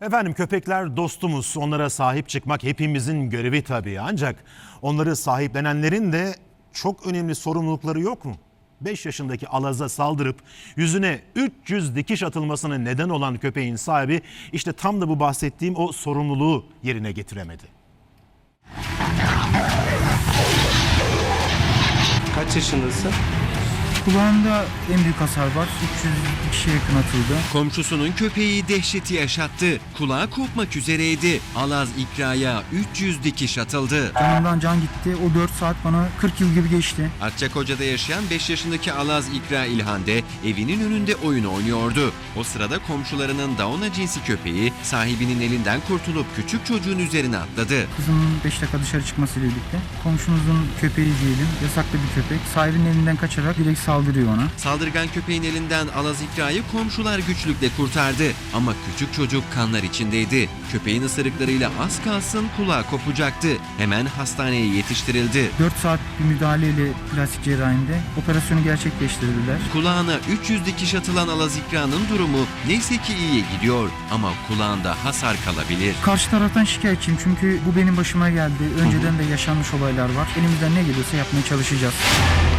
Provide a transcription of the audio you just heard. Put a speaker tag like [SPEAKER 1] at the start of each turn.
[SPEAKER 1] Efendim köpekler dostumuz. Onlara sahip çıkmak hepimizin görevi tabii. Ancak onları sahiplenenlerin de çok önemli sorumlulukları yok mu? 5 yaşındaki Alaz'a saldırıp yüzüne 300 dikiş atılmasına neden olan köpeğin sahibi işte tam da bu bahsettiğim o sorumluluğu yerine getiremedi.
[SPEAKER 2] Kaç yaşındasın?
[SPEAKER 3] Kulağında en büyük hasar var. 300 kişiye yakın atıldı.
[SPEAKER 4] Komşusunun köpeği dehşeti yaşattı. Kulağı kopmak üzereydi. Alaz İkra'ya 300 dikiş atıldı.
[SPEAKER 3] Canımdan can gitti. O 4 saat bana 40 yıl gibi geçti.
[SPEAKER 4] Akçakoca'da yaşayan 5 yaşındaki Alaz İkra İlhande evinin önünde oyun oynuyordu. O sırada komşularının Dauna cinsi köpeği sahibinin elinden kurtulup küçük çocuğun üzerine atladı.
[SPEAKER 3] Kızımın 5 dakika dışarı çıkmasıyla birlikte komşumuzun köpeği diyelim, yasaklı bir köpek. Sahibinin elinden kaçarak direkt saldırıyor ona.
[SPEAKER 4] Saldırgan köpeğin elinden Alaz İkra'yı komşular güçlükle kurtardı. Ama küçük çocuk kanlar içindeydi. Köpeğin ısırıklarıyla az kalsın kulağı kopacaktı. Hemen hastaneye yetiştirildi.
[SPEAKER 3] 4 saat bir müdahaleyle plastik cerrahinde operasyonu gerçekleştirdiler.
[SPEAKER 4] Kulağına 300 dikiş atılan Alaz İkra'nın durumu neyse ki iyiye gidiyor. Ama kulağında hasar kalabilir.
[SPEAKER 3] Karşı taraftan şikayetçiyim çünkü bu benim başıma geldi. Önceden de yaşanmış olaylar var. Elimizden ne geliyorsa yapmaya çalışacağız.